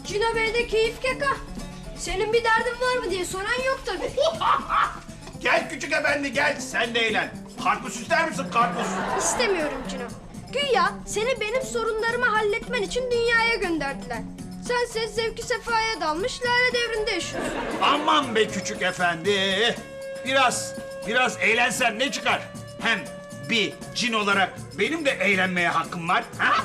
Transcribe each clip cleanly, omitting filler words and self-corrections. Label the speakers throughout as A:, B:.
A: Cino Bey'de keyif keka. Senin bir derdin var mı diye soran yok tabii.
B: Gel küçük efendi gel, sen de eğlen. Karpuz ister misin karpuz?
A: İstemiyorum Cino. Güya seni benim sorunlarımı halletmen için dünyaya gönderdiler. Sense zevki sefaya dalmış lale devrinde yaşıyorsun.
B: Aman be küçük efendi. Biraz eğlensen ne çıkar? Hem bir cin olarak benim de eğlenmeye hakkım var. Ha?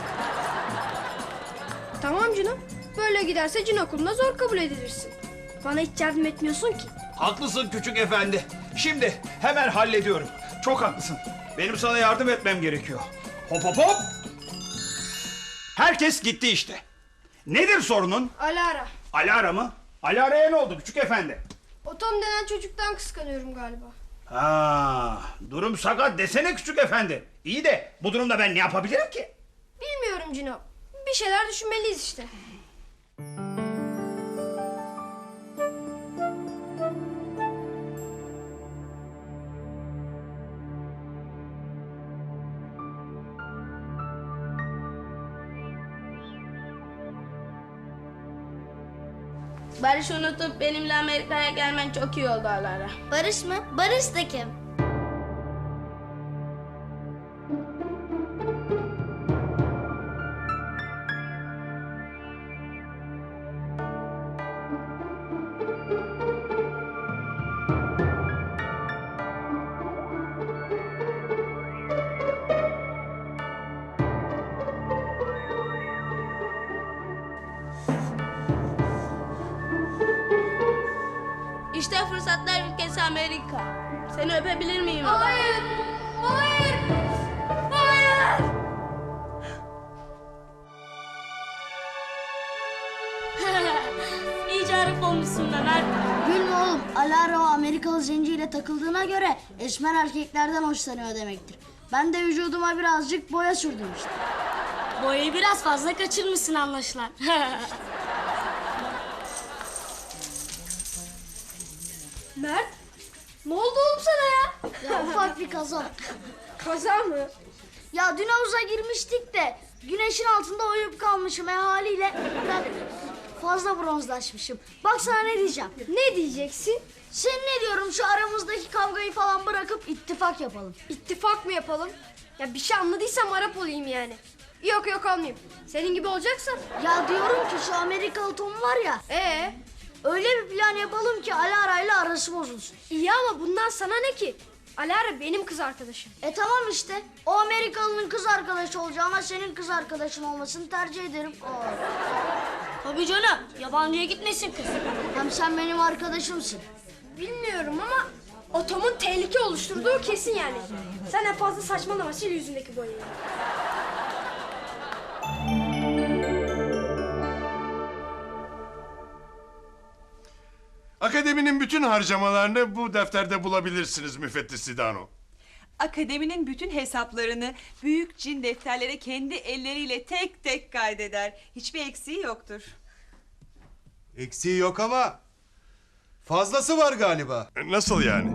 A: Tamam Cino. Böyle giderse cin okuluna zor kabul edilirsin. Bana hiç yardım etmiyorsun ki.
B: Haklısın küçük efendi. Şimdi hemen hallediyorum. Çok haklısın. Benim sana yardım etmem gerekiyor. Hop hop hop. Herkes gitti işte. Nedir sorunun?
A: Alara.
B: Alara mı? Alara'ya ne oldu küçük efendi?
A: O Tom denen çocuktan kıskanıyorum galiba.
B: Ha, durum sakat desene küçük efendi. İyi de bu durumda ben ne yapabilirim ki?
A: Bilmiyorum Cino. Bir şeyler düşünmeliyiz işte.
C: Barış'ı unutup benimle Amerika'ya gelmen çok iyi oldu Alara.
D: Barış mı? Barış da kim?
C: İşte fırsatlar ülkesi Amerika. Seni öpebilir miyim?
A: Hayır! Hayır! Hayır!
C: İyice Arap olmuşsun be Mert.
D: Gülme oğlum. Alara o Amerikalı zenciyle takıldığına göre esmer erkeklerden hoşlanıyor demektir. Ben de vücuduma birazcık boya sürdüm işte.
C: Boyayı biraz fazla kaçırmışsın anlaşılan.
A: Mert, ne oldu oğlum sana ya?
D: Ya ufak bir kaza.
A: Kaza mı?
D: Ya dün havuza girmiştik de güneşin altında uyuyup kalmışım haliyle ben fazla bronzlaşmışım. Bak sana ne diyeceğim.
A: Ne diyeceksin?
D: Sen ne diyorum şu aramızdaki kavgayı falan bırakıp ittifak yapalım.
A: İttifak mı yapalım? Ya bir şey anladıysam Arap olayım yani. Yok yok olmayayım. Senin gibi olacaksam.
D: Ya diyorum ki şu Amerikalı Tom var ya öyle bir plan yapalım ki Alara ile arası bozulsun.
A: İyi ama bundan sana ne ki? Alara benim kız arkadaşım.
D: Tamam işte o Amerikalının kız arkadaşı olacağına senin kız arkadaşın olmasını tercih ederim.
C: Tabii canım. Yabancıya gitmesin kız.
D: Hem sen benim arkadaşımsın.
A: Bilmiyorum ama o Tom'un tehlike oluşturduğu kesin yani. Sen en fazla saçmalama, sil yüzündeki boyayı.
E: Akademinin bütün harcamalarını bu defterde bulabilirsiniz müfettiş Sidano.
F: Akademinin bütün hesaplarını büyük cin defterlere kendi elleriyle tek tek kaydeder. Hiçbir eksiği yoktur.
G: Eksiği yok ama fazlası var galiba.
E: Nasıl yani?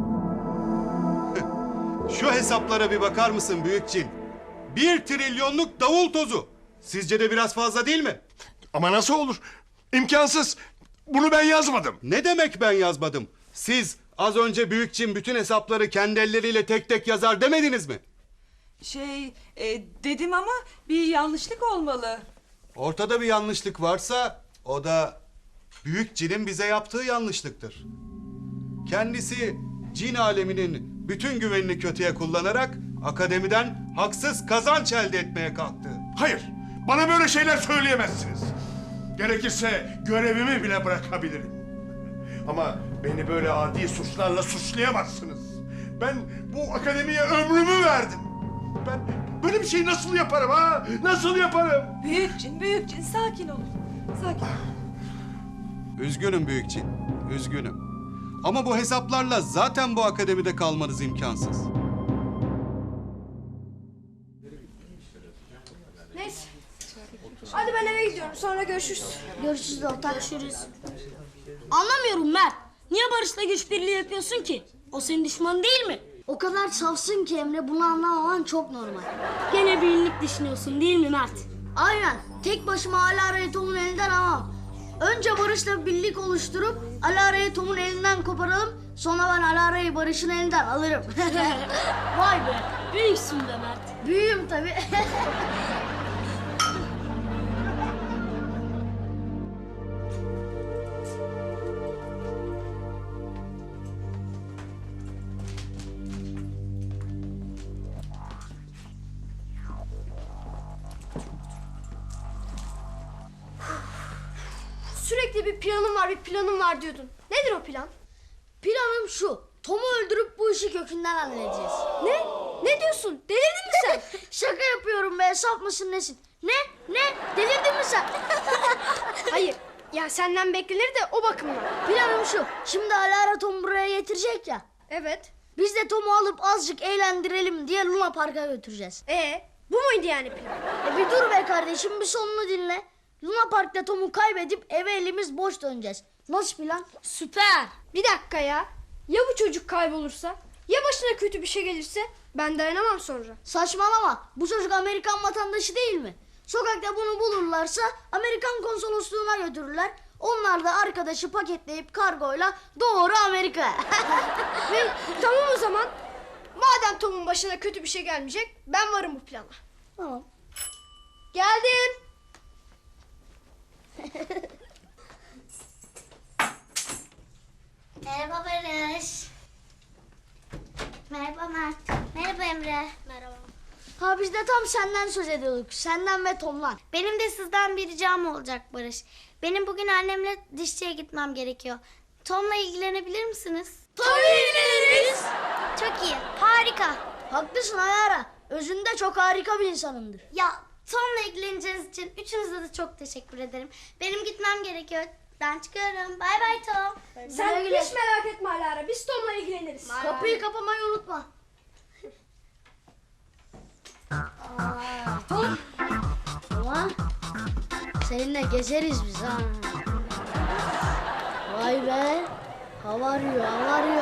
G: Şu hesaplara bir bakar mısın büyük cin? 1 trilyonluk davul tozu. Sizce de biraz fazla değil mi?
E: Ama nasıl olur? İmkansız. Bunu ben yazmadım.
G: Ne demek ben yazmadım? Siz az önce büyük cin bütün hesapları kendi elleriyle tek tek yazar demediniz mi?
F: Dedim ama bir yanlışlık olmalı.
G: Ortada bir yanlışlık varsa o da büyük cinin bize yaptığı yanlışlıktır. Kendisi cin aleminin bütün güvenini kötüye kullanarak akademiden haksız kazanç elde etmeye kalktı.
E: Hayır. Bana böyle şeyler söyleyemezsiniz. Gerekirse görevimi bile bırakabilirim. Ama beni böyle adi suçlarla suçlayamazsınız. Ben bu akademiye ömrümü verdim. Ben böyle bir şeyi nasıl yaparım ha? Nasıl yaparım?
F: Büyük cin sakin olun. Sakin.
G: Üzgünüm büyük cin, üzgünüm. Ama bu hesaplarla zaten bu akademide kalmanız imkansız.
A: Neyse. Hadi ben eve gidiyorum, sonra görüşürüz.
D: Görüşürüz ortak.
C: Görüşürüz. Anlamıyorum Mert. Niye Barış'la güç birliği yapıyorsun ki? O senin düşmanın değil mi?
D: O kadar safsın ki Emre bunu anlamaman çok normal.
C: Gene bir iyilik düşünüyorsun değil mi Mert?
D: Aynen tek başıma hala Tom'un elinden alamam. Önce Barış'la birlik oluşturup Alara'yı Tom'un elinden koparalım. Sonra ben Alara'yı Barış'ın elinden alırım.
C: Vay be, büyüksün be Mert.
D: Büyüğüm tabii.
A: Sürekli bir planım var diyordun. Nedir o plan?
D: Planım şu. Tom'u öldürüp bu işi kökünden halledeceğiz.
A: Ne? Ne diyorsun? Delirdin mi sen?
D: Şaka yapıyorum be, saf mısın nesin? Ne? Delirdin mi sen?
A: Hayır. Ya senden beklenir de o bakımdan.
D: Planım şu. Şimdi Alara Tom'u buraya getirecek ya.
A: Evet.
D: Biz de Tom'u alıp azıcık eğlendirelim diye Luna Park'a götüreceğiz.
A: Bu muydu yani plan?
D: Bir dur be kardeşim, bir sonunu dinle. Luna Park'ta Tom'u kaybedip eve elimiz boş döneceğiz. Nasıl plan?
C: Süper.
A: Bir dakika ya. Ya bu çocuk kaybolursa? Ya başına kötü bir şey gelirse? Ben dayanamam sonra.
D: Saçmalama. Bu çocuk Amerikan vatandaşı değil mi? Sokakta bunu bulurlarsa Amerikan konsolosluğuna götürürler. Onlar da arkadaşı paketleyip kargoyla doğru Amerika'ya.
A: Tamam o zaman. Madem Tom'un başına kötü bir şey gelmeyecek, ben varım bu plana.
D: Tamam.
A: Geldim.
H: Merhaba Barış. Merhaba Mert. Merhaba Emre. Merhaba.
D: Ha biz de tam senden söz ediyorduk. Senden ve Tom'dan.
H: Benim de sizden bir ricam olacak Barış. Benim bugün annemle dişçiye gitmem gerekiyor. Tom'la ilgilenebilir misiniz?
D: Tabii ilgileniriz.
H: Çok iyi. Harika.
D: Haklısın Ayara. Özünde çok harika bir insanındır.
H: Ya Tom'la ilgileneceğiniz için üçünüze de çok teşekkür ederim. Benim gitmem gerekiyor. Ben çıkıyorum. Bay bay Tom.
A: Sen
D: güle.
A: hiç merak etme Alara. Biz Tom'la ilgileniriz.
D: Kapıyı kapamayı unutma. Ama seninle gezeriz biz ha. Vay be. Hava arıyor.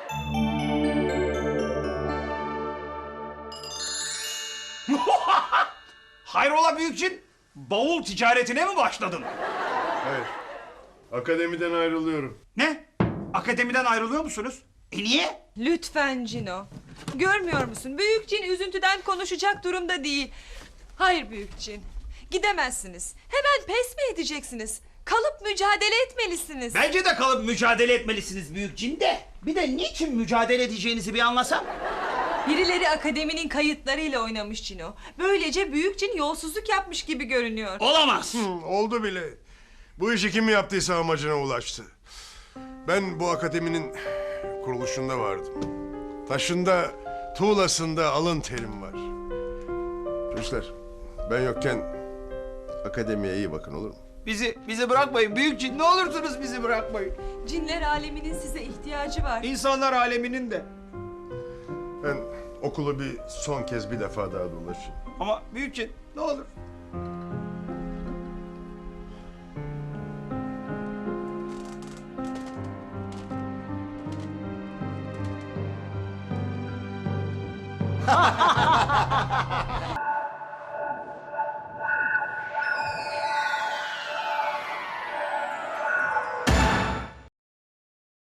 B: Hayrola büyükçin? Bavul ticaretine mi başladın?
E: Hayır. Akademiden ayrılıyorum.
B: Ne? Akademiden ayrılıyor musunuz? Niye?
F: Lütfen Cino. Görmüyor musun? Büyük cin üzüntüden konuşacak durumda değil. Hayır büyük cin. Gidemezsiniz. Hemen pes mi edeceksiniz? Kalıp mücadele etmelisiniz.
B: Bence de kalıp mücadele etmelisiniz büyük cin de. Bir de niçin mücadele edeceğinizi bir anlasam.
F: Birileri akademinin kayıtlarıyla oynamış Cino. Böylece büyük cin yolsuzluk yapmış gibi görünüyor.
B: Olamaz.
E: Oldu bile. Bu işi kim yaptıysa amacına ulaştı. Ben bu akademinin kuruluşunda vardım. Taşında, tuğlasında alın terim var. Çocuklar, ben yokken akademiye iyi bakın, olur mu?
B: Bizi bırakmayın büyük cin. Ne olursunuz bizi bırakmayın.
F: Cinler aleminin size ihtiyacı var.
B: İnsanlar aleminin de.
E: Ben okulu bir son kez bir defa daha dolaşayım.
B: Ama büyük cin ne olur.